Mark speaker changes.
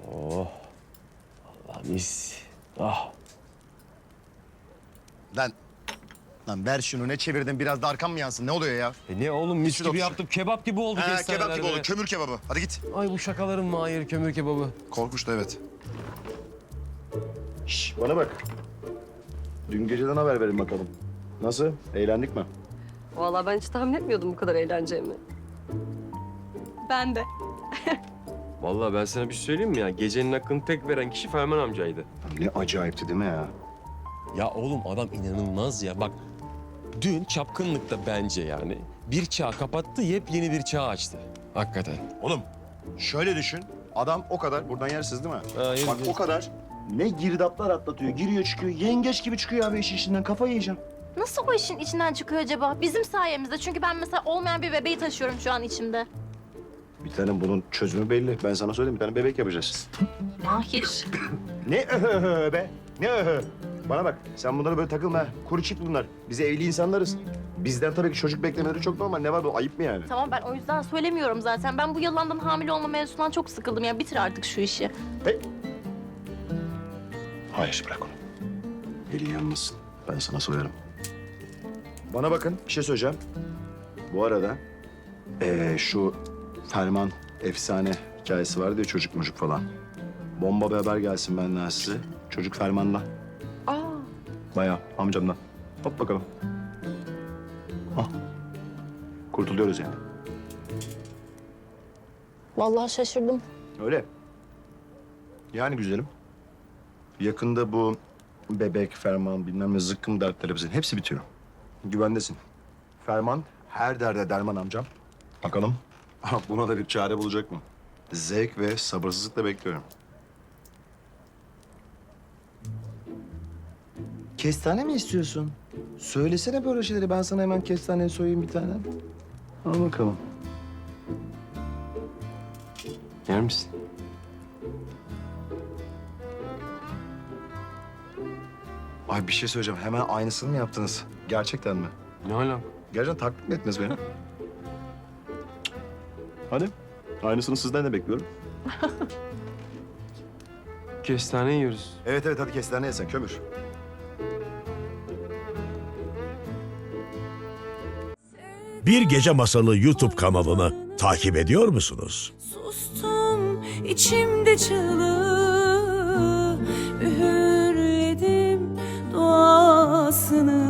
Speaker 1: Oh. Allah mis. Ah.
Speaker 2: Lan ver şunu, ne çevirdin? Biraz da arkam mı yansın? Ne oluyor ya?
Speaker 1: Ne oğlum mis
Speaker 2: Şurada
Speaker 1: gibi
Speaker 2: otur.
Speaker 1: yaptım. Kebap gibi oldu
Speaker 2: Kebap
Speaker 1: kestanelerde.
Speaker 2: gibi oldu. Kömür kebabı. Hadi git.
Speaker 1: Ay bu şakaların mı hayır kömür kebabı?
Speaker 2: Korkunç da evet. Şş, bana bak. Dün geceden haber verin bakalım. Nasıl? Eğlendik mi?
Speaker 3: Vallahi ben hiç tahmin etmiyordum bu kadar eğleneceğimi. Ben de.
Speaker 1: Vallahi ben sana bir şey söyleyeyim mi ya? Gecenin hakkını tek veren kişi Ferman amcaydı.
Speaker 2: Ne acayipti değil mi ya?
Speaker 1: Ya oğlum adam inanılmaz ya. Bak dün çapkınlıkta bence yani bir çağ kapattı, yepyeni bir çağ açtı. Hakikaten.
Speaker 2: Oğlum şöyle düşün. Adam o kadar, buradan yersiz değil mi?
Speaker 1: Hayır,
Speaker 2: Bak o kadar. Ne girdaplar atlatıyor, giriyor çıkıyor. Yengeç gibi çıkıyor abi işin içinden. Kafayı yiyeceğim.
Speaker 4: Nasıl o işin içinden çıkıyor acaba? Bizim sayemizde. Çünkü ben mesela olmayan bir bebeği taşıyorum şu an içimde.
Speaker 2: Bir tane bunun çözümü belli. Ben sana söyleyeyim, bir tane bebek yapacağız.
Speaker 4: Mahir.
Speaker 2: Ne öhö be? Ne öhö? Bana bak, sen bunlara böyle takılma. Kuru çift bunlar. Biz evli insanlarız. Bizden tabii ki çocuk beklemeleri çok normal. Ne var bu? Ayıp mı yani?
Speaker 4: Tamam ben o yüzden söylemiyorum zaten. Ben bu yalandan hamile olma mevzusundan çok sıkıldım. Ya bitir artık şu işi.
Speaker 2: Hey. Hayır, bırak onu. Elin yanmasın. Ben sana soyarım. Bana bakın, bir şey söyleyeceğim. Bu arada şu Ferman efsane hikayesi vardı ya, çocuk mucuk falan. Bomba bir haber gelsin benden size. Çocuk Ferman'la.
Speaker 4: Aa.
Speaker 2: Bayağı amcamdan. Hop bakalım. Ah. Kurtuluyoruz yani.
Speaker 4: Vallahi şaşırdım.
Speaker 2: Öyle. Yani güzelim. Yakında bu bebek, Ferman, bilmem ne zıkkım dertleri hepsi bitiyor. Güvendesin. Ferman her derde derman amcam. Bakalım buna da bir çare bulacak mı? Zevk ve sabırsızlıkla bekliyorum. Kestane mi istiyorsun? Söylesene böyle şeyleri. Ben sana hemen kestane soyayım bir tane. Al bakalım.
Speaker 1: Yer misin?
Speaker 2: Ay bir şey söyleyeceğim. Hemen aynısını mı yaptınız? Gerçekten mi?
Speaker 1: Ne alaka?
Speaker 2: Gerçekten taklit mi ettiniz beni? Hadi. Aynısını sizden de bekliyorum.
Speaker 1: Kestane yiyoruz.
Speaker 2: Evet evet hadi kestane yesen kömür.
Speaker 5: Bir Gece Masalı YouTube kanalını takip ediyor musunuz?
Speaker 6: Sustum içimde çığlığı, üğürledim duasını.